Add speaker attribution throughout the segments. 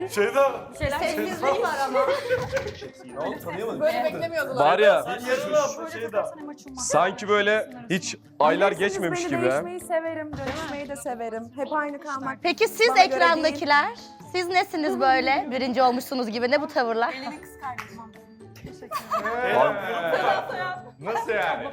Speaker 1: Şeyda.
Speaker 2: Sessizlik var ama.
Speaker 3: Böyle beklemiyordular.
Speaker 4: Var ya
Speaker 1: Sen yarın abla Şeyda.
Speaker 4: sanki böyle hiç aylar
Speaker 5: Bilirsiniz,
Speaker 4: geçmemiş
Speaker 5: beni
Speaker 4: gibi. ha.
Speaker 5: değişmeyi severim, dönüşmeyi de severim. Hep aynı kalmak.
Speaker 2: Peki siz
Speaker 5: bana göre
Speaker 2: ekrandakiler? Siz nesiniz böyle? Birinci olmuşsunuz gibi. Ne bu tavırlar?
Speaker 4: Nasıl yani?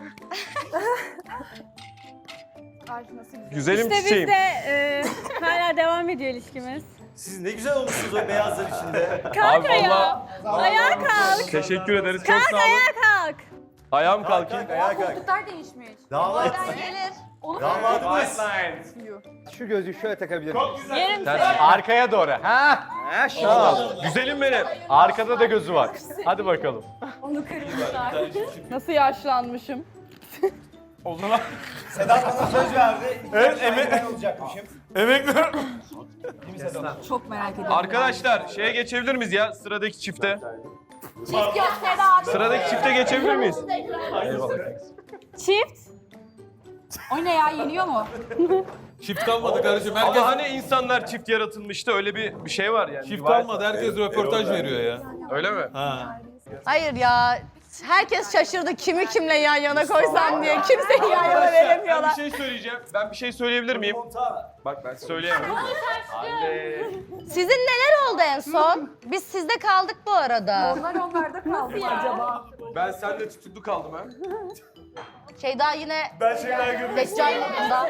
Speaker 5: Nasıl güzel.
Speaker 4: Güzelim
Speaker 6: İşte biz
Speaker 4: çiçeğim.
Speaker 6: de hala devam ediyor ilişkimiz.
Speaker 1: Siz ne güzel olmuşsunuz o beyazlar içinde.
Speaker 6: Kanka ya.
Speaker 4: vallahi
Speaker 6: Ayağa kalk.
Speaker 4: teşekkür ederiz. Çok sağ olun.
Speaker 6: Kalk.
Speaker 4: Ayağım kalkayım.
Speaker 1: Ayağa kalk.
Speaker 3: Koltuklar değişmiş.
Speaker 1: Damat.
Speaker 2: Gelir.
Speaker 1: Damadımız.
Speaker 7: Şu gözlüğü şöyle takabilir miyim?
Speaker 6: Yerim seni.
Speaker 7: Arkaya doğru. Ha? Ha şöyle.
Speaker 4: Güzelim benim.
Speaker 7: Arkada da gözü var. Hadi bakalım.
Speaker 6: Nasıl yaşlanmışım?
Speaker 1: Sedat bana söz verdi. Evet,
Speaker 7: olacakmışım.
Speaker 1: emekli.
Speaker 3: Çok merak ediyorum.
Speaker 4: Arkadaşlar şeye geçebilir miyiz ya sıradaki çifte?
Speaker 3: Çift yok Sedat.
Speaker 4: Sıradaki çifte geçebilir miyiz?
Speaker 6: Çift.
Speaker 3: O ne ya, yeniyor mu?
Speaker 8: Çift kalmadı kardeşim.
Speaker 4: Ama
Speaker 8: Herkes
Speaker 4: hani insanlar çift yaratılmıştı öyle bir şey var yani.
Speaker 8: çift kalmadı. Herkes röportaj veriyor ya.
Speaker 4: Öyle mi?
Speaker 8: Ha.
Speaker 2: Hayır ya. Herkes şaşırdı kimi kimle yan yana koysam diye. Kimseyi yan yana veremiyorlar.
Speaker 4: Ben bir şey söyleyeceğim. Ben bir şey söyleyebilir miyim? Bak ben söyleyemem. Anne.
Speaker 2: Sizin neler oldu en son? Biz sizde kaldık bu arada.
Speaker 5: Onlar onlarda kaldı mı acaba?
Speaker 4: Ben seninle tutuklu kaldım ha.
Speaker 2: Şeyda yine
Speaker 1: Ben şeyler görmek
Speaker 2: Deccal yolunda.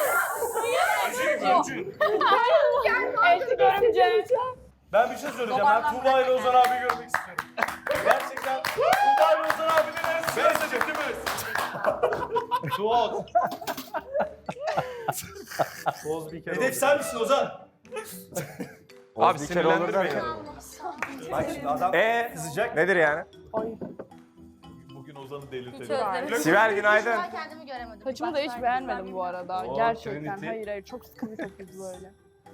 Speaker 6: Elti görümce.
Speaker 1: Ben bir şey söyleyeceğim. Ben Tuğba ile Ozan abi görmek istiyorum. Gerçekten Tuğba ile Ozan abinin arasında yaşayacağız.
Speaker 4: Suat.
Speaker 1: Hedef sen misin Ozan?
Speaker 4: Abi sinirlendirme ya.
Speaker 1: Bak şimdi adam kızacak.
Speaker 7: Nedir yani?
Speaker 1: Bugün Ozan'ı delirtelim.
Speaker 7: Sibel günaydın.
Speaker 2: Ben kendimi göremedim.
Speaker 6: Saçımı da hiç beğenmedim bu arada. Gerçekten. Hayır çok sıkıntı çok kötü böyle.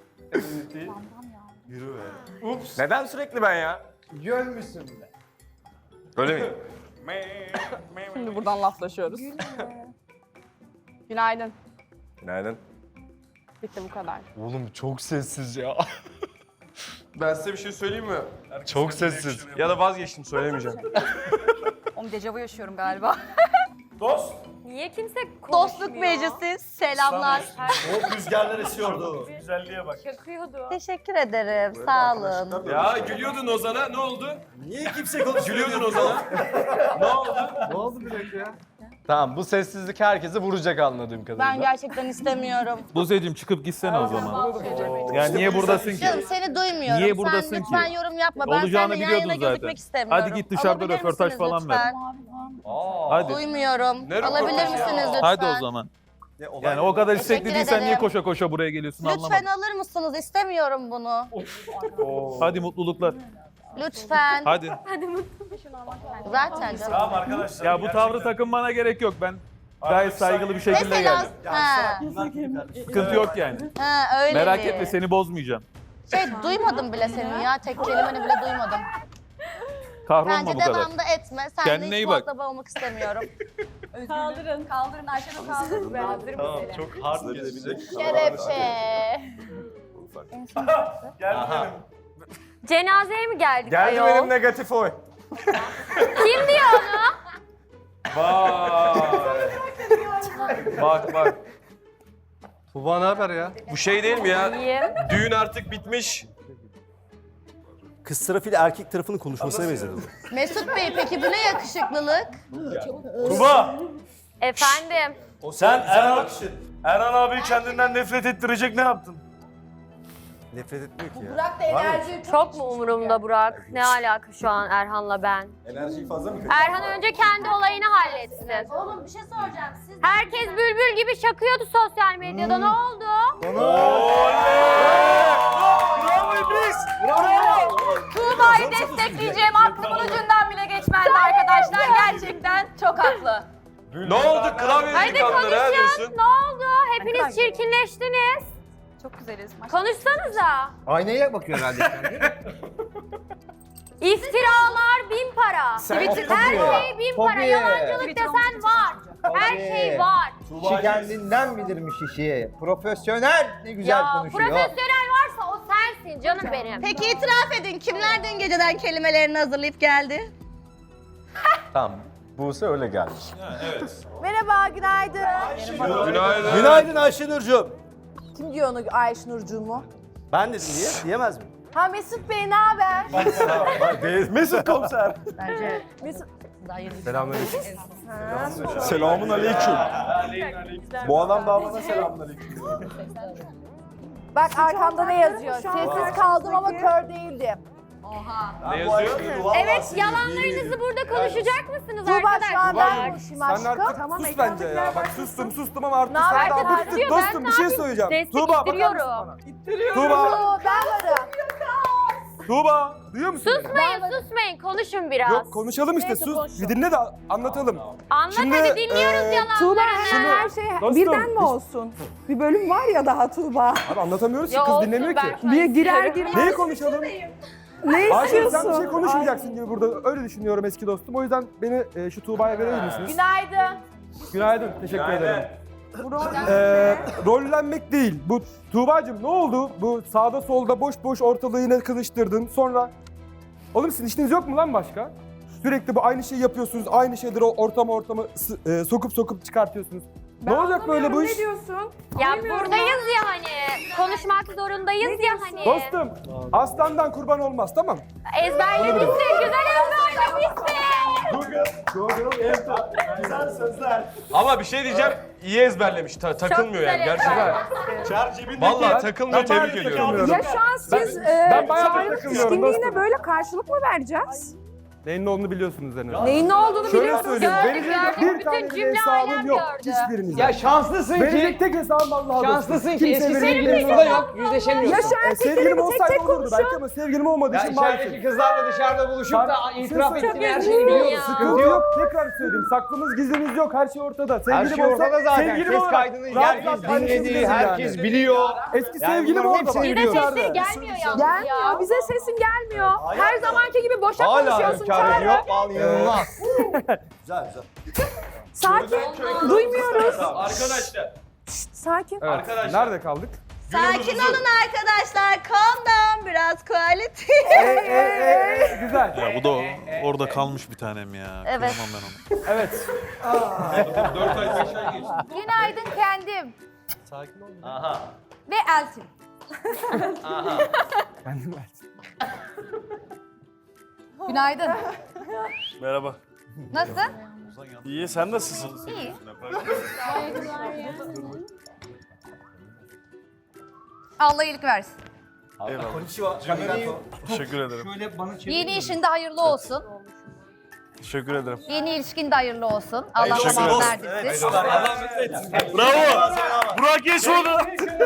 Speaker 1: Yürü be.
Speaker 7: Neden sürekli ben ya? Görmüşsün bile. Öyle mi?
Speaker 6: Şimdi buradan laflaşıyoruz. Günaydın.
Speaker 7: Günaydın.
Speaker 6: Bitti bu kadar.
Speaker 7: Oğlum çok sessiz ya.
Speaker 4: Ben size bir şey söyleyeyim mi?
Speaker 7: Çok sessiz.
Speaker 4: Ya da vazgeçtim söylemeyeceğim.
Speaker 3: Oğlum dejavu yaşıyorum galiba.
Speaker 1: Dost.
Speaker 6: Niye kimse
Speaker 2: Dostluk meclisi selamlar.
Speaker 1: O rüzgarlar esiyordu. Güzelliğe bak.
Speaker 6: Yakıyordu.
Speaker 2: Teşekkür ederim. Sağ olun.
Speaker 4: Ya gülüyordun Ozan'a ne oldu?
Speaker 1: Niye kimse konuşmuyor?
Speaker 4: Gülüyordun Ozan'a. Ne oldu?
Speaker 7: Ne oldu bir dakika ya? Tamam bu sessizlik herkesi vuracak anladığım kadarıyla.
Speaker 2: Ben gerçekten istemiyorum.
Speaker 8: Buse'cim çıkıp gitsene o zaman. Yani niye buradasın ki?
Speaker 2: Canım seni duymuyorum.
Speaker 8: Niye buradasın
Speaker 2: Sen lütfen
Speaker 8: ki?
Speaker 2: yorum yapma. Ben
Speaker 8: Olacağını
Speaker 2: seninle yan
Speaker 8: biliyordun
Speaker 2: yana
Speaker 8: zaten.
Speaker 2: gözükmek istemiyorum.
Speaker 8: Hadi git dışarıda
Speaker 2: Alabilir
Speaker 8: röportaj
Speaker 2: misiniz
Speaker 8: falan ver.
Speaker 2: lütfen?
Speaker 8: Hadi.
Speaker 2: Duymuyorum.
Speaker 4: Ne
Speaker 2: Alabilir
Speaker 4: röportajı ya?
Speaker 2: misiniz lütfen?
Speaker 8: Hadi o zaman. Yani o kadar istekli
Speaker 2: Teşekkür
Speaker 8: değilsen niye
Speaker 2: ederim.
Speaker 8: koşa koşa buraya geliyorsun
Speaker 2: Lütfen
Speaker 8: anlamadım.
Speaker 2: alır mısınız? İstemiyorum bunu.
Speaker 8: Hadi mutluluklar.
Speaker 2: Lütfen.
Speaker 8: Hadi.
Speaker 2: Zaten canım.
Speaker 1: Tamam arkadaşlar.
Speaker 8: Ya bu tavrı takınmana gerek yok. Ben gayet saygılı bir şekilde
Speaker 2: Mesela
Speaker 8: geldim.
Speaker 2: ha,
Speaker 8: Sıkıntı yok yani.
Speaker 2: ha öyle
Speaker 8: Merak
Speaker 2: mi?
Speaker 8: etme seni bozmayacağım.
Speaker 2: Duymadım bile senin ya. Tek kelimeni bile duymadım.
Speaker 8: Kahrolma
Speaker 2: Bence
Speaker 8: bu kadar.
Speaker 2: devamda etme. Sen
Speaker 8: Kendine
Speaker 2: de hiç
Speaker 8: iyi bak.
Speaker 2: muhatap olmak istemiyorum.
Speaker 6: Kaldırın.
Speaker 3: Kaldırın Ayşe'nin kaldırın.
Speaker 1: Tamam çok hard gelebilecek.
Speaker 2: Kelepçe.
Speaker 1: Gel gidelim.
Speaker 6: Cenazeye mi geldik
Speaker 7: Geldi
Speaker 6: ayol?
Speaker 7: benim negatif oy.
Speaker 6: Kim diyor onu?
Speaker 4: Bak bak.
Speaker 7: Tuba ne haber ya?
Speaker 4: Bu şey değil mi ya?
Speaker 6: İyiyim.
Speaker 4: Düğün artık bitmiş.
Speaker 1: Kız tarafıyla erkek tarafının konuşmasına benzedi bu.
Speaker 2: Mesut Bey peki bu ne yakışıklılık?
Speaker 1: Tuba!
Speaker 6: Efendim.
Speaker 1: Sen Erhan abi kendinden nefret ettirecek ne yaptın?
Speaker 7: Nefret etmiyor ki ya.
Speaker 3: Burak da enerji
Speaker 6: Çok mu umurumda Burak? Ne alaka şu an Erhan'la ben?
Speaker 7: Enerjiyi fazla mı
Speaker 6: Erhan önce kendi olayını halletsin.
Speaker 2: Oğlum bir şey soracağım. Siz
Speaker 6: Herkes bülbül gibi şakıyordu sosyal medyada. Ne oldu?
Speaker 1: Bravo İblis!
Speaker 3: Tuğba'yı destekleyeceğim. Aklımın ucundan bile geçmezdi arkadaşlar. Gerçekten çok haklı.
Speaker 4: Ne oldu? Klavye
Speaker 6: Hadi
Speaker 4: yıkanları ha
Speaker 6: konuşun.
Speaker 4: diyorsun.
Speaker 6: Ne oldu? Hepiniz çirkinleştiniz.
Speaker 3: Çok güzeliz.
Speaker 6: Konuşsanıza.
Speaker 7: Aynaya bakıyor herhalde.
Speaker 6: İftiralar 1000 para.
Speaker 7: Sen-
Speaker 6: Her şey 1000 para.
Speaker 7: Tabii.
Speaker 6: Yalancılık desen var. Her şey var.
Speaker 7: Kişi kendinden bilirmiş işi. Profesyonel ne güzel
Speaker 6: Ya
Speaker 7: konuşuyor.
Speaker 6: profesyonel varsa o sensin.
Speaker 9: sensin canım benim.
Speaker 2: Peki itiraf edin kimler dün geceden kelimelerini hazırlayıp geldi?
Speaker 7: Tamam. Buse öyle gelmiş.
Speaker 5: Merhaba, günaydın.
Speaker 4: Günaydın.
Speaker 1: Günaydın Ayşenurcuğum.
Speaker 5: Kim diyor onu Ayşenurcuğum mu?
Speaker 1: Ben dedim diye diyemez mi?
Speaker 5: Ha Mesut Bey, ne haber?
Speaker 1: Mesut komiser.
Speaker 2: Bence
Speaker 5: Mesut.
Speaker 7: Selamünaleyküm.
Speaker 5: Ha.
Speaker 7: Selamun aleyküm. Bu adam da bana selamun aleyküm.
Speaker 5: Bak arkamda ne yazıyor? Sessiz kaldım ama kör değildim.
Speaker 4: Ne yazıyor?
Speaker 9: Evet, yalanlarınızı burada konuşacak mısınız
Speaker 5: Tuğba
Speaker 9: arkadaşlar?
Speaker 5: şu an ben konuşayım
Speaker 7: Sen
Speaker 5: aşkım.
Speaker 7: artık
Speaker 5: Tamam,
Speaker 7: sus
Speaker 5: ekran
Speaker 7: bence
Speaker 5: tekrar
Speaker 7: ya. Bak
Speaker 5: başlasın.
Speaker 7: sustum ama artık
Speaker 5: Ne haber?
Speaker 7: sen daha
Speaker 5: Ben
Speaker 7: bıktık dostum bir şey söyleyeceğim. Tuğba bakar mısın
Speaker 9: Destek
Speaker 7: bana? Tuğba,
Speaker 5: Oo, ben varım.
Speaker 7: Tuğba duyuyor musun beni?
Speaker 9: Susmayın, konuşun biraz.
Speaker 7: Yok konuşalım işte
Speaker 5: Neyse,
Speaker 7: sus.
Speaker 5: konuşalım.
Speaker 7: Bir dinle de anlatalım.
Speaker 9: Anlat
Speaker 7: Şimdi,
Speaker 9: hadi dinliyoruz
Speaker 5: Tuğba
Speaker 9: yalanlarını.
Speaker 5: her şey
Speaker 7: Dostum,
Speaker 5: birden mi olsun? Bir bölüm var ya daha Tuğba.
Speaker 7: Abi anlatamıyoruz ki
Speaker 9: Ya
Speaker 7: kız
Speaker 9: olsun,
Speaker 7: dinlemiyor ki.
Speaker 9: ben-
Speaker 5: Bir girer girmez.
Speaker 7: Neyi konuşalım?
Speaker 5: Ne
Speaker 7: Ayşe sen bir şey
Speaker 5: istiyorsun?
Speaker 7: konuşmayacaksın gibi burada öyle düşünüyorum eski dostum. O yüzden beni şu Tuğba'ya verebilir misiniz?
Speaker 5: Günaydın.
Speaker 7: Günaydın. Teşekkür ederim.
Speaker 5: Bu rol
Speaker 7: Rollenmek değil. Bu Tuğba'cığım ne oldu? Bu sağda solda boş boş ortalığı yine kılıçtırdın. Sonra oğlum sizin işiniz yok mu lan başka? Sürekli bu aynı şeyi yapıyorsunuz. Aynı şeyleri o ortama sokup çıkartıyorsunuz. Ne olacak böyle bu iş?
Speaker 5: Ne diyorsun?
Speaker 9: Ya buradayız ya hani. Konuşmak zorundayız ya hani.
Speaker 7: Dostum, aslandan kurban olmaz tamam?
Speaker 9: Ezberlemişsin, güzel ezberlemişsin.
Speaker 1: Güzel sözler.
Speaker 4: Ama bir şey diyeceğim. İyi ezberlemiş. Takılmıyor
Speaker 9: güzel
Speaker 4: yani gerçekten.
Speaker 1: Çar cebindeki.
Speaker 4: Vallahi takılmıyor. Tebrik ediyorum.
Speaker 5: Ya şu an siz
Speaker 7: ben bayağı
Speaker 5: Çağrı'nın
Speaker 7: takılıyorum
Speaker 5: pişkinliğine
Speaker 7: dostum.
Speaker 5: böyle karşılık mı vereceğiz?
Speaker 7: Neyin ne olduğunu biliyorsunuz en azından.
Speaker 5: Neyin ne olduğunu
Speaker 7: Şöyle
Speaker 5: biliyorsunuz.
Speaker 7: söyleyeyim.
Speaker 9: Gördük,
Speaker 7: Verecek
Speaker 9: gördük.
Speaker 7: bir tane
Speaker 9: Bütün
Speaker 7: bile
Speaker 9: cümle
Speaker 7: hesabım
Speaker 9: alem
Speaker 7: yok.
Speaker 9: gördü.
Speaker 7: Hiçbirinizde.
Speaker 10: Ya şanslısın
Speaker 7: Verecek
Speaker 10: ki,
Speaker 7: tek hesabım Allah'a
Speaker 10: şanslısın ki
Speaker 7: Kimse
Speaker 10: eski
Speaker 7: verecek
Speaker 10: sevgilin
Speaker 7: bir
Speaker 10: burada
Speaker 7: hesabım
Speaker 10: yok, yüzleşemiyorsun.
Speaker 5: Yaşar
Speaker 7: Sevgilim
Speaker 5: erkekleri tek
Speaker 7: olsaydı
Speaker 5: tek
Speaker 7: olurdu
Speaker 5: konuşun.
Speaker 7: belki ama sevgilim olmadığı için
Speaker 10: Ya
Speaker 7: maalesef.
Speaker 10: içerideki kızlarla dışarıda buluşup da itiraf
Speaker 7: Çok
Speaker 10: ettiğin her
Speaker 5: üzgünüm
Speaker 10: şeyi biliyoruz.
Speaker 9: ya.
Speaker 7: Sıkıntı yok. Tekrar söyleyeyim. Saklımız gizlimiz yok. Her şey ortada. Sevgilim
Speaker 10: Her şey
Speaker 7: olsa,
Speaker 10: ortada zaten.
Speaker 7: sevgilim
Speaker 10: Ses
Speaker 7: olarak
Speaker 10: kaydını
Speaker 7: rahat
Speaker 10: herkes
Speaker 7: rahat
Speaker 10: dinledi,
Speaker 7: konuşabiliriz
Speaker 10: herkes
Speaker 7: yani.
Speaker 10: biliyor.
Speaker 7: Eski
Speaker 10: Yani
Speaker 7: sevgilim
Speaker 10: bunların
Speaker 7: orada
Speaker 10: hepsini
Speaker 7: bak.
Speaker 9: Yine
Speaker 10: biliyoruz.
Speaker 9: sesleri gelmiyor yalnız
Speaker 5: Gelmiyor.
Speaker 9: ya.
Speaker 5: Bize sesin gelmiyor. Her zamanki gibi boşa
Speaker 10: Hala
Speaker 5: konuşuyorsun
Speaker 10: hünkârı
Speaker 5: Çağrı.
Speaker 10: yok. Vallahi inanılmaz.
Speaker 1: Güzel güzel.
Speaker 5: Sakin. Duymuyoruz.
Speaker 4: Arkadaşlar.
Speaker 5: Sakin.
Speaker 7: Evet.
Speaker 4: Arkadaşlar.
Speaker 7: Nerede kaldık?
Speaker 2: Sakin olun arkadaşlar. Calm down biraz quality.
Speaker 7: Güzel.
Speaker 8: Ya bu da orada kalmış bir tanem ya.
Speaker 9: Evet.
Speaker 8: Kıyamam ben ona.
Speaker 7: Evet.
Speaker 4: 4 ay 5 ay geçti.
Speaker 9: Günaydın kendim.
Speaker 7: Sakin ol.
Speaker 4: Aha.
Speaker 9: Ve Eltin.
Speaker 4: Aha.
Speaker 7: Kendim
Speaker 9: Günaydın.
Speaker 8: Merhaba.
Speaker 9: Nasıl?
Speaker 8: İyi sen nasılsın?
Speaker 9: İyi. Allah iyilik versin.
Speaker 8: Eyvallah.
Speaker 1: Konnichiwa.
Speaker 8: Teşekkür ederim.
Speaker 9: Yeni işinde hayırlı olsun.
Speaker 8: Teşekkür ederim.
Speaker 9: Yeni ilişkin de hayırlı olsun. Allah
Speaker 8: Teşekkür
Speaker 9: tamam
Speaker 8: ederim.
Speaker 9: verdirsin.
Speaker 8: Bravo. Burak geç onu.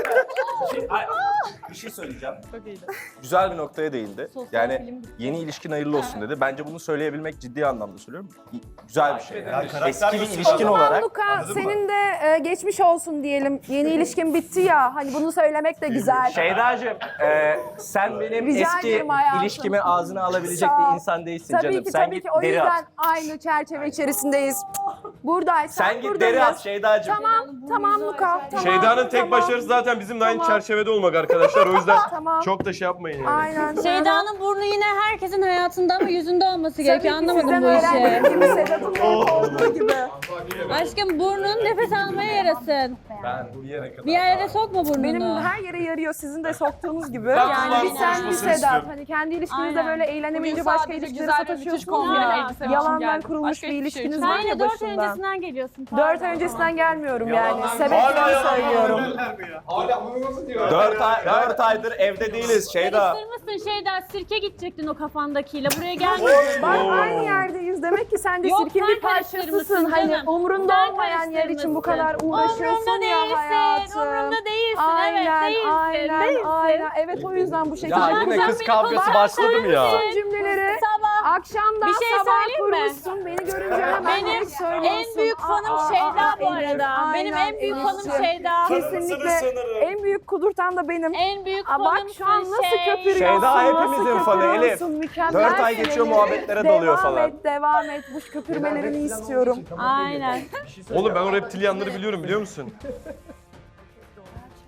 Speaker 7: Bir şey söyleyeceğim. Güzel bir noktaya değindi. Yani yeni ilişkin hayırlı olsun dedi. Bence bunu söyleyebilmek ciddi anlamda söylüyorum. Güzel bir şey. Eski bir ilişkin olarak.
Speaker 5: Luka senin de geçmiş olsun diyelim. Yeni ilişkin bitti ya. Hani bunu söylemek de güzel.
Speaker 7: Şeydacığım, sen benim
Speaker 5: Rica
Speaker 7: eski
Speaker 5: ederim hayatım.
Speaker 7: ilişkimi ağzına alabilecek
Speaker 5: Sağ ol.
Speaker 7: bir insan değilsin
Speaker 5: Tabii
Speaker 7: canım.
Speaker 5: ki
Speaker 7: Sen
Speaker 5: tabii
Speaker 7: git
Speaker 5: ki. O
Speaker 7: deri
Speaker 5: yüzden
Speaker 7: at.
Speaker 5: aynı çerçeve içerisindeyiz. Buradaysan
Speaker 7: Sen git
Speaker 5: buradayız.
Speaker 7: deri at Şeydacığım.
Speaker 5: Tamam Luka. Tamam.
Speaker 4: Şeyda'nın tek başarısı zaten bizimle aynı çerçevede olmak arkadaşlar. O yüzden
Speaker 5: Tamam.
Speaker 4: çok da şey yapmayın yani.
Speaker 5: Aynen.
Speaker 11: Şeyda'nın burnu yine herkesin hayatında ama yüzünde olması gerekiyor.
Speaker 5: Tabii ki
Speaker 11: Anlamadım
Speaker 5: sizden
Speaker 11: bu işi.
Speaker 5: öğrendiğim gibi Sedat'ın orada olduğu gibi.
Speaker 11: Aşkım burnun nefes almaya yarasın.
Speaker 7: Ben bir yere kadar.
Speaker 11: Bir yerlere sokma burnunu.
Speaker 5: Benim her yere yarıyor sizin de soktuğunuz gibi.
Speaker 4: Ben
Speaker 5: Yani
Speaker 4: kulağım
Speaker 5: bir sen bir
Speaker 4: konuşmasını
Speaker 5: Sedat.
Speaker 4: istiyorum.
Speaker 5: Hani kendi ilişkinizde
Speaker 11: Aynen.
Speaker 5: böyle eğlenemeyince
Speaker 6: Bugün
Speaker 5: başka
Speaker 6: sadece
Speaker 5: ilişkileri
Speaker 6: güzel ve müthiş
Speaker 5: sataşıyorsunuz
Speaker 6: kombin
Speaker 5: ya.
Speaker 6: elbise için
Speaker 5: Yalandan
Speaker 6: geldim.
Speaker 5: kurulmuş
Speaker 6: Başka
Speaker 5: bir
Speaker 6: hiçbir şey
Speaker 5: ilişkiniz
Speaker 6: için.
Speaker 5: var
Speaker 11: Sen
Speaker 5: ya
Speaker 11: yine 4 ay
Speaker 5: başında.
Speaker 11: öncesinden geliyorsun.
Speaker 5: 4 ay öncesinden gelmiyorum yani.
Speaker 4: Hala
Speaker 5: Sebeplerini
Speaker 4: yalan
Speaker 5: söylüyorum.
Speaker 10: Hala bunu nasıl diyor?
Speaker 7: 4 aydır evde değiliz Şeyda.
Speaker 11: Karıştırmışsın Şeyda. Sirke gidecektin o kafandakiyle. Buraya gelmedin.
Speaker 5: Bak aynı yerdeyiz. Demek ki sen de
Speaker 11: Yok,
Speaker 5: sirkin
Speaker 11: sen
Speaker 5: bir parçasısın.
Speaker 11: karıştırmışsın
Speaker 5: Hani
Speaker 11: canım.
Speaker 5: umrunda
Speaker 11: Sen
Speaker 5: olmayan yer için bu
Speaker 11: karıştırmışsın.
Speaker 5: kadar uğraşıyorsun
Speaker 11: Umrumda
Speaker 5: ya
Speaker 11: değilsin.
Speaker 5: hayatım.
Speaker 11: Umrumda değilsin.
Speaker 5: Aynen,
Speaker 11: Evet değilsin.
Speaker 5: aynen,
Speaker 11: değilsin.
Speaker 5: aynen. Evet o yüzden bu şekilde.
Speaker 7: Ya yine
Speaker 11: sen
Speaker 7: kız
Speaker 11: beni
Speaker 7: kavgası
Speaker 11: bak,
Speaker 7: başladı mı ya?
Speaker 5: Son cümleleri
Speaker 11: Sabah.
Speaker 5: akşamdan
Speaker 11: Bir şey
Speaker 5: sabah
Speaker 11: söyleyeyim mi?
Speaker 5: kurmuşsun. Beni görünce hemen
Speaker 11: Benim
Speaker 5: direkt söylüyorsun.
Speaker 11: en büyük fanım Şeyda bu arada. Benim en büyük fanım Şeyda.
Speaker 5: Kesinlikle en büyük kudurtan da benim.
Speaker 11: En büyük
Speaker 5: Aa,
Speaker 11: fanım
Speaker 5: bak şu an nasıl
Speaker 11: şey.
Speaker 5: köpürüyorsun.
Speaker 7: Şeyda hepimizin
Speaker 5: nasıl
Speaker 7: fanı, Elif.
Speaker 5: köpürüyorsun, mükemmel
Speaker 7: 4 ay geçiyor
Speaker 5: Elif.
Speaker 7: muhabbetlere dalıyor falan.
Speaker 5: Devam et. Bu köpürmelerini istiyorum.
Speaker 11: Aynen.
Speaker 4: Oğlum ben o reptilyanları biliyorum biliyor musun?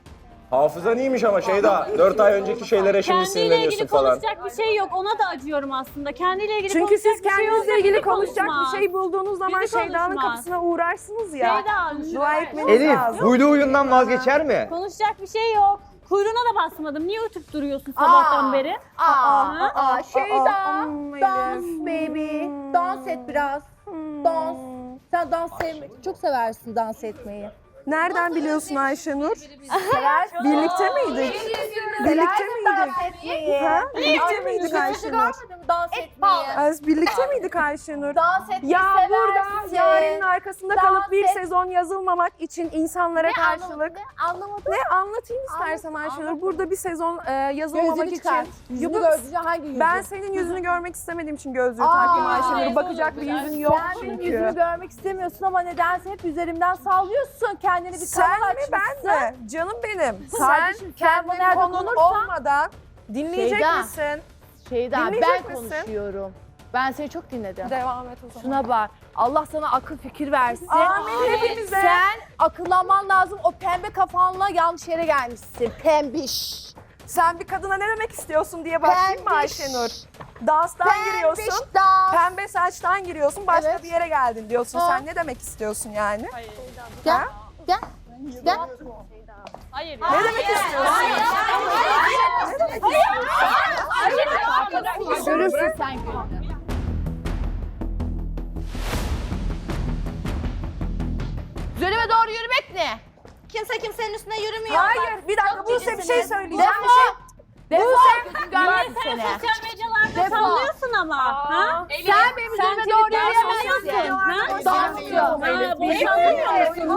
Speaker 1: Hafızan iyiymiş ama Şeyda. 4 ay önceki şeylere şimdi
Speaker 11: Kendiyle
Speaker 1: sinirleniyorsun
Speaker 11: ilgili
Speaker 1: falan.
Speaker 11: konuşacak bir şey yok. Ona da acıyorum aslında. Kendiyle ilgili
Speaker 5: Çünkü
Speaker 11: konuşacak
Speaker 5: siz
Speaker 11: bir şey
Speaker 5: kendinizle
Speaker 11: olsa
Speaker 5: ilgili
Speaker 11: bizi
Speaker 5: konuşacak
Speaker 11: konuşmaz.
Speaker 5: bir şey bulduğunuz zaman
Speaker 11: Bizi
Speaker 5: Şeyda'nın
Speaker 11: konuşmaz.
Speaker 5: kapısına uğrarsınız ya.
Speaker 11: Şeyda,
Speaker 5: Dua etmeniz
Speaker 10: Elif,
Speaker 5: lazım.
Speaker 10: huylu huyundan vazgeçer mi?
Speaker 11: konuşacak bir şey yok. Kuyruğuna da basmadım. Niye ötüp duruyorsun sabahtan beri?
Speaker 5: Şeyda,
Speaker 2: Dans baby. Dans et biraz. Dans. Sen dans çok seversin dans etmeyi.
Speaker 5: Nereden biliyorsun Ayşenur? Birlikte miydik? Birlikte miydik? Ha? Birlikte miydik Ayşenur?
Speaker 2: Dans etmeyi.
Speaker 5: Birlikte miydik Ayşenur?
Speaker 2: Dans etmeyi
Speaker 5: Ya burada
Speaker 2: seversin.
Speaker 5: Yaren'in arkasında
Speaker 2: Dans
Speaker 5: kalıp bir
Speaker 2: et.
Speaker 5: sezon yazılmamak için insanlara karşılık.
Speaker 2: Anlamadım.
Speaker 5: Ne anlatayım istersen Ayşenur. Burada bir sezon yazılmamak
Speaker 2: Gözünü çıkar.
Speaker 5: için.
Speaker 2: Yüzünü
Speaker 5: Yok,
Speaker 2: gördüğünde hangi yüzü?
Speaker 5: ben senin yüzünü görmek istemediğim için gözlüğü taktım Ayşenur. Bakacak bir yüzün yok
Speaker 2: Sen benim
Speaker 5: çünkü.
Speaker 2: yüzümü görmek istemiyorsun ama nedense hep üzerimden sallıyorsun. Kendini bir
Speaker 5: Sen
Speaker 2: kanal
Speaker 5: mi ben
Speaker 2: açmışsın.
Speaker 5: mi? Canım benim.
Speaker 2: Kardeşim,
Speaker 5: Sen
Speaker 2: sen bu
Speaker 5: kendin
Speaker 2: nerede
Speaker 5: konun
Speaker 2: konursan-
Speaker 5: olmadan dinleyecek
Speaker 2: Şeyda.
Speaker 5: misin?
Speaker 2: Şeyda
Speaker 5: Dinleyecek
Speaker 2: ben
Speaker 5: misin?
Speaker 2: konuşuyorum. Ben seni çok dinledim.
Speaker 5: Devam et o zaman.
Speaker 2: Şuna bak. Allah sana akıl fikir versin.
Speaker 5: Amin hepimize.
Speaker 2: Sen akıllanman lazım. O pembe kafanla yanlış yere gelmişsin. Pembiş.
Speaker 5: Sen bir kadına ne demek istiyorsun diye bakayım mı
Speaker 2: Pembiş.
Speaker 5: Ayşenur? Danstan giriyorsun.
Speaker 2: Pembiş dans.
Speaker 5: Pembe saçtan giriyorsun. Başka
Speaker 2: Evet.
Speaker 5: bir yere geldin diyorsun.
Speaker 2: Ha.
Speaker 5: Sen ne demek istiyorsun yani?
Speaker 2: Gel. Gel. Gel.
Speaker 11: Hayır.
Speaker 5: Ne demek istiyorsun?
Speaker 2: Görürsün sen gününü. Üzerime doğru yürümek ne?
Speaker 3: Kimse kimsenin üstüne yürümüyor.
Speaker 5: Hayır bir dakika Buse bir şey söyleyeceğim.
Speaker 2: Defol. Defol. Gözüm görmez
Speaker 11: Sen
Speaker 2: seni.
Speaker 11: sosyal medyalarda
Speaker 2: Defol.
Speaker 11: sallıyorsun ama. Ha?
Speaker 2: Sen benim üzerime doğru yürüyemezsin.
Speaker 11: Ha?
Speaker 2: Dans ediyorum.
Speaker 11: Ha, boşanmıyor musun?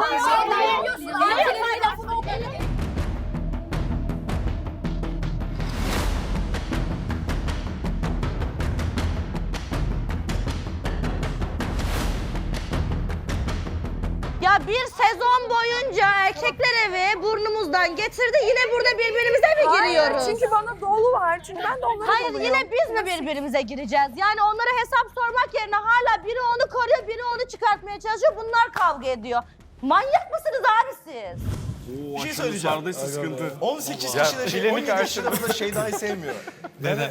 Speaker 3: Ya bir sezon boyunca erkekler evi burnumuzdan getirdi. Yine burada birbirimize mi
Speaker 5: Hayır,
Speaker 3: giriyoruz?
Speaker 5: çünkü bana dolu var. Çünkü ben de onlara
Speaker 3: Hayır
Speaker 5: doluyum.
Speaker 3: yine biz mi birbirimize gireceğiz? Yani onlara hesap sormak yerine hala biri onu koruyor, biri onu çıkartmaya çalışıyor. Bunlar kavga ediyor. Manyak mısınız abi siz?
Speaker 1: Bir şey söyleyeceğim.
Speaker 4: sıkıntı.
Speaker 1: 18 kişide şey,
Speaker 4: Bilenik
Speaker 1: 17 kişide burada Şeyda'yı sevmiyor. Neden?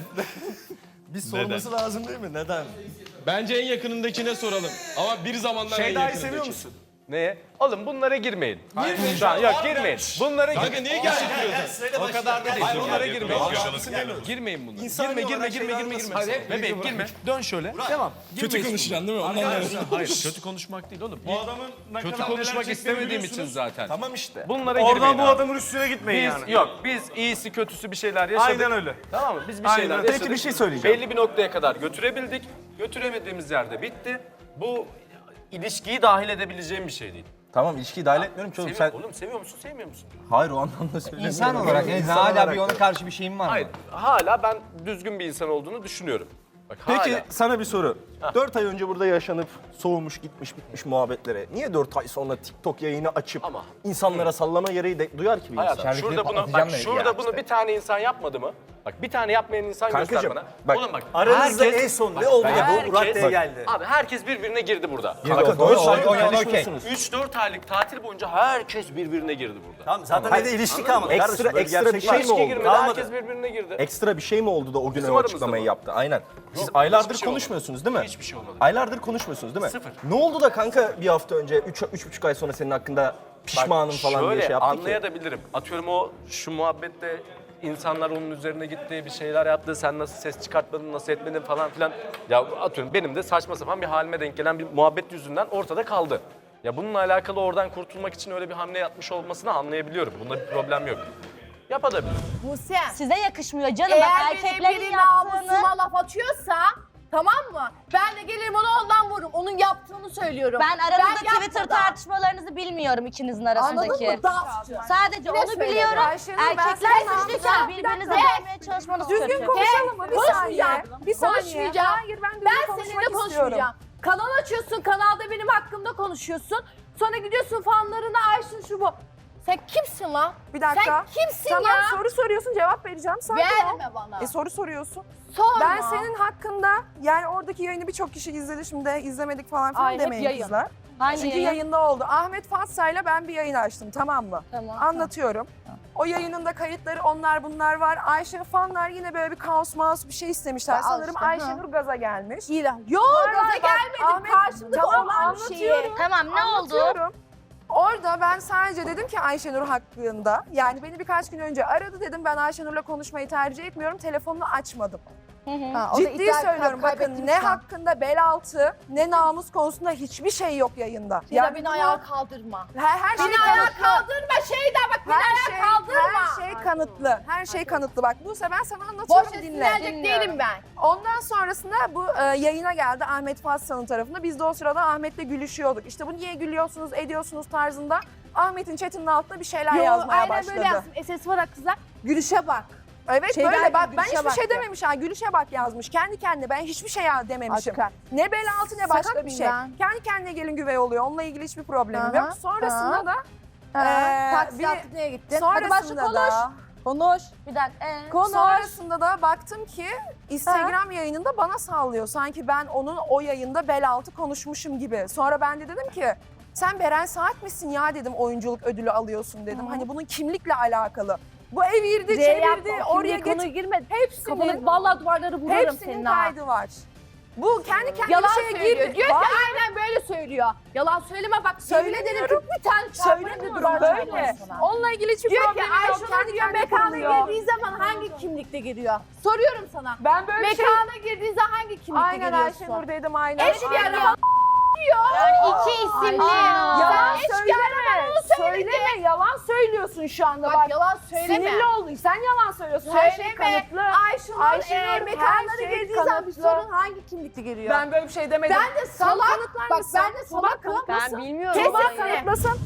Speaker 1: Biz sorması lazım değil mi? Neden?
Speaker 4: Bence en yakınındakine soralım. Ama bir zamanlar en
Speaker 1: Şeyda'yı
Speaker 4: yakınındaki.
Speaker 1: seviyor musun?
Speaker 4: Neye? Oğlum bunlara girmeyin. Girmeyin şu an. Yok girmeyin. Bunlara
Speaker 1: Kanka
Speaker 4: girmeyin.
Speaker 1: niye gerçekten?
Speaker 4: O kadar da değil.
Speaker 1: Hayır,
Speaker 4: Bunlara girmeyin.
Speaker 1: demiyoruz.
Speaker 4: Girmeyin bunlara.
Speaker 1: İnsani
Speaker 4: Girme
Speaker 1: olarak
Speaker 4: girme
Speaker 1: Şeyda'nın
Speaker 4: girme.
Speaker 1: nasıl
Speaker 4: Hadi bebeğim girme. Dön şöyle. Devam. Kötü konuşacaksın değil mi? Ondan Hayır kötü konuşmak değil oğlum.
Speaker 1: Bu adamın ne
Speaker 4: Kötü
Speaker 1: kadar
Speaker 4: konuşmak
Speaker 1: neler
Speaker 4: istemediğim
Speaker 1: çektiğini
Speaker 4: için
Speaker 1: biliyorsunuz.
Speaker 4: zaten.
Speaker 1: Tamam işte.
Speaker 4: Bunlara girmeyin.
Speaker 1: Oradan bu
Speaker 4: abi.
Speaker 1: adamın üstüne gitmeyin
Speaker 4: Biz
Speaker 1: yani.
Speaker 4: yok biz iyisi kötüsü bir şeyler yaşadık.
Speaker 1: Aynen öyle.
Speaker 4: Tamam mı? Biz bir
Speaker 1: Aynen
Speaker 4: şeyler
Speaker 1: öyle.
Speaker 4: yaşadık.
Speaker 1: Peki bir şey söyleyeceğim.
Speaker 4: Belli bir noktaya kadar götürebildik. Götüremediğimiz yerde bitti. Bu ilişkiyi dahil edebileceğim bir şey değil.
Speaker 1: Tamam ilişkiyi dahil etmiyorum ki oğlum. Sen...
Speaker 4: Oğlum seviyor musun sevmiyor musun?
Speaker 1: Hayır o anlamda söylemiyorum.
Speaker 10: İnsan olarak en
Speaker 1: İnsan
Speaker 10: hala
Speaker 1: olarak
Speaker 10: bir
Speaker 1: da.
Speaker 10: ona karşı bir şeyin var mı?
Speaker 4: Hayır hala ben düzgün bir insan olduğunu düşünüyorum. Bak,
Speaker 1: Peki
Speaker 4: hala.
Speaker 1: sana bir soru. 4 ay önce burada yaşanıp soğumuş gitmiş bitmiş muhabbetlere niye 4 ay sonra TikTok yayını açıp
Speaker 4: Ama-
Speaker 1: insanlara sallama gereği de duyar ki bir insan?
Speaker 4: Hayatım
Speaker 10: İçeridekini
Speaker 4: şurada bunu,
Speaker 10: patlatacağım
Speaker 4: bak,
Speaker 10: dedi
Speaker 4: şurada
Speaker 10: ya
Speaker 4: bunu
Speaker 10: işte.
Speaker 4: bir tane insan yapmadı mı? Bak bir tane yapmayan insan göster
Speaker 1: Kankacığım
Speaker 4: bana.
Speaker 1: bak,
Speaker 4: Oğlum bak
Speaker 1: aranızda
Speaker 4: herkes-
Speaker 1: en son ne oldu da bu raddeye geldi?
Speaker 4: Abi herkes birbirine girdi burada.
Speaker 1: Kanka 4 ay konuşmuyorsunuz.
Speaker 4: 3-4 aylık tatil boyunca herkes birbirine girdi burada.
Speaker 1: Tamam zaten evde ilişki kalmadı. Ekstra bir şey mi
Speaker 4: İlişki girmedi,
Speaker 1: oldu?
Speaker 4: herkes birbirine girdi.
Speaker 1: Ekstra bir şey mi oldu da o gün
Speaker 4: Bizim
Speaker 1: o
Speaker 4: aramızda
Speaker 1: açıklamayı
Speaker 4: mı?
Speaker 1: yaptı? Aynen. Siz
Speaker 4: Yok,
Speaker 1: aylardır
Speaker 4: hiçbir şey
Speaker 1: konuşmuyorsunuz değil mi?
Speaker 4: Hiçbir şey olmadı.
Speaker 1: Aylardır konuşmuyorsunuz değil mi?
Speaker 4: Sıfır.
Speaker 1: Ne oldu da kanka bir hafta önce, 3,5 ay sonra senin hakkında pişmanım falan diye
Speaker 4: şöyle
Speaker 1: şey yaptı ki?
Speaker 4: anlayabilirim. Atıyorum o şu muhabbette insanlar onun üzerine gitti, bir şeyler yaptı, sen nasıl ses çıkartmadın, nasıl etmedin falan filan. Ya atıyorum benim de saçma sapan bir halime denk gelen bir muhabbet yüzünden ortada kaldı. Ya bununla alakalı oradan kurtulmak için öyle bir hamle yapmış olmasını anlayabiliyorum. Bunda bir problem yok. Yapabilir.
Speaker 2: Buse.
Speaker 3: Size yakışmıyor canım. Bak
Speaker 2: Eğer
Speaker 3: erkeklerin
Speaker 2: biri
Speaker 3: yaptığını...
Speaker 2: namusuma laf atıyorsa tamam mı? Ben de gelirim onu ondan vururum. Onun yaptığını söylüyorum.
Speaker 3: Ben aranızda
Speaker 2: yapmadan.
Speaker 3: Twitter tartışmalarınızı bilmiyorum ikinizin arasındaki.
Speaker 2: Anladın mı? Dansçı.
Speaker 3: Sadece onu
Speaker 2: söyledi.
Speaker 3: biliyorum.
Speaker 5: Ayşenur, ben
Speaker 3: Erkekler
Speaker 5: sana-
Speaker 3: suçluyken
Speaker 5: Bir
Speaker 3: birbirinize
Speaker 5: dakika.
Speaker 3: vermeye çalışmanız
Speaker 5: Düzgün
Speaker 3: kötü.
Speaker 5: konuşalım mı? Bir saniye.
Speaker 2: Konuşmayacağım.
Speaker 5: Bir saniye.
Speaker 2: Konuşmayacağım.
Speaker 5: Hayır ben düzgün
Speaker 2: Ben
Speaker 5: konuşmak
Speaker 2: seninle
Speaker 5: istiyorum.
Speaker 2: konuşmayacağım. Kanal açıyorsun, kanalda benim hakkımda konuşuyorsun. Sonra gidiyorsun fanlarına Ayşin şu bu. Sen kimsin lan?
Speaker 5: Bir dakika.
Speaker 2: Sen kimsin
Speaker 5: Tamam,
Speaker 2: ya?
Speaker 5: soru soruyorsun cevap vereceğim. Sakin ol.
Speaker 2: Verme bana.
Speaker 5: Soru soruyorsun.
Speaker 2: Sorma.
Speaker 5: Ben senin hakkında yani oradaki yayını birçok kişi izledi şimdi izlemedik falan filan
Speaker 2: Ay, hep
Speaker 5: demeyin
Speaker 2: yayın.
Speaker 5: kızlar.
Speaker 3: Hangi
Speaker 5: Çünkü
Speaker 3: yayın?
Speaker 5: yayında oldu. Ahmet Fatsa'yla ben bir yayın açtım tamam mı?
Speaker 3: Tamam.
Speaker 5: Anlatıyorum. O yayının da kayıtları onlar bunlar var. Ayşe fanlar yine böyle bir kaos maus bir şey istemişler.
Speaker 3: Al
Speaker 5: Sanırım
Speaker 3: işte,
Speaker 5: Ayşenur gaza gelmiş.
Speaker 2: Yok gaza
Speaker 5: bak,
Speaker 2: gelmedim.
Speaker 5: Ahmet,
Speaker 2: Karşımda
Speaker 5: tamam,
Speaker 2: olan bir şeyi.
Speaker 5: anlatıyorum.
Speaker 3: Tamam ne oldu?
Speaker 5: Anlatıyorum. Orada ben sadece dedim ki Ayşenur hakkında, yani beni birkaç gün önce aradı dedim, ben Ayşenur'la konuşmayı tercih etmiyorum, telefonunu açmadım.
Speaker 2: Ha, o da
Speaker 5: Ciddi
Speaker 2: iddia
Speaker 5: söylüyorum, bakın
Speaker 2: kaybettim
Speaker 5: ne
Speaker 2: şu an.
Speaker 5: hakkında bel altı ne namus konusunda hiçbir şey yok yayında.
Speaker 2: Ya beni
Speaker 5: bunu-
Speaker 2: ayağa kaldırma.
Speaker 5: her şey
Speaker 2: Beni ayağa
Speaker 5: kanıtlı.
Speaker 2: kaldırma Şeyda bak beni ayağa kaldırma.
Speaker 5: Her şey kanıtlı. Her şey kanıtlı. Bak Buse ben sana anlatıyorum,
Speaker 2: Boş
Speaker 5: dinle.
Speaker 2: sinirlenecek değilim ben.
Speaker 5: Ondan sonrasında bu yayına geldi Ahmet Fassal'ın tarafında. Biz de o sırada Ahmet'le gülüşüyorduk. İşte bu niye gülüyorsunuz, ediyorsunuz tarzında. Ahmet'in chatinin altına bir şeyler yazmaya
Speaker 2: aynen
Speaker 5: başladı.
Speaker 2: böyle yazsın. SS var kızlar. Gülüşe bak.
Speaker 5: Evet
Speaker 2: Şey
Speaker 5: böyle
Speaker 2: derdi,
Speaker 5: bak ben
Speaker 2: gülüşe
Speaker 5: hiçbir
Speaker 2: bak
Speaker 5: şey
Speaker 2: diyor.
Speaker 5: dememiş ha, gülüşe bak yazmış. Kendi kendine ben hiçbir şey dememişim.
Speaker 2: Aşkım.
Speaker 5: Ne bel altı ne
Speaker 2: Sakat
Speaker 5: başka bir
Speaker 2: mıyım
Speaker 5: şey.
Speaker 2: ben?
Speaker 5: Kendi kendine gelin güvey oluyor. Onunla ilgili hiçbir problemim
Speaker 2: Aha,
Speaker 5: yok. Sonrasında
Speaker 2: aha.
Speaker 5: da
Speaker 2: Taksi
Speaker 5: bir-
Speaker 2: yaptık neye gittin? Hadi başla
Speaker 5: sonrasında
Speaker 2: konuş.
Speaker 5: da
Speaker 2: Konuş.
Speaker 3: Bir dakika.
Speaker 2: Konuş.
Speaker 5: Sonrasında da baktım ki Instagram yayınında bana sallıyor. Sanki ben onun o yayında bel altı konuşmuşum gibi. Sonra ben de dedim ki sen Beren Saat misin ya dedim, oyunculuk ödülü alıyorsun dedim. Hani bunun kimlikle alakalı. Bu evirdi, çevirdi, oraya
Speaker 2: konuya
Speaker 5: geç.
Speaker 2: girme.
Speaker 5: Hepsinin,
Speaker 2: Kafanı vallahi duvarları vurarım
Speaker 5: hepsinin
Speaker 2: senin ha.
Speaker 5: kaydı var. Bu kendi kendine
Speaker 2: Yalan
Speaker 5: şeye
Speaker 2: söylüyor.
Speaker 5: girdi.
Speaker 2: Diyor ki
Speaker 5: Var.
Speaker 2: aynen böyle söylüyor. Yalan söyleme bak. Söyle dedim ki bir tane çarpmayı da
Speaker 5: Söylemiyorum
Speaker 2: duvar
Speaker 5: böyle.
Speaker 2: çarparım sana.
Speaker 5: Onunla ilgili hiçbir
Speaker 2: Diyor ki
Speaker 5: problemim yok.
Speaker 2: Ayşenur
Speaker 5: Kendi
Speaker 2: diyor
Speaker 5: kendine
Speaker 2: mekana
Speaker 5: kuruluyor.
Speaker 2: girdiği zaman hangi kimlikte giriyor? Soruyorum sana.
Speaker 5: Ben böyle bir şey...
Speaker 2: Mekana girdiği zaman hangi kimlikte
Speaker 5: Aynen
Speaker 2: giriyorsun?
Speaker 5: Ayşenur dedim aynen.
Speaker 2: Eş bir
Speaker 5: Aynen.
Speaker 2: araba
Speaker 9: Yani iki isimli.
Speaker 5: Yalan
Speaker 2: Sen eş
Speaker 5: söyleme.
Speaker 2: gelmeden onu söyledin.
Speaker 5: Söyleme. Yalan söylüyorsun şu anda.
Speaker 2: Bak, yalan söyleme.
Speaker 5: Sinirli oldun. Sen yalan söylüyorsun. Her şey
Speaker 2: Söyleme.
Speaker 5: kanıtlı.
Speaker 2: Ayşenur
Speaker 5: Ayşenur,
Speaker 2: mekanlara
Speaker 5: her şey
Speaker 2: girdiği zaman bir
Speaker 5: kanıtlı.
Speaker 2: sorun hangi kimlikte giriyor?
Speaker 5: Ben böyle bir şey demedim.
Speaker 2: Ben de salak.
Speaker 5: Kanıtlar
Speaker 2: Bak
Speaker 5: mısın?
Speaker 2: ben de salakım.
Speaker 5: Kanıtlasın.
Speaker 9: Ben bilmiyorum.
Speaker 2: Kesin
Speaker 5: Tuğba
Speaker 2: seni.
Speaker 5: kanıtlasın.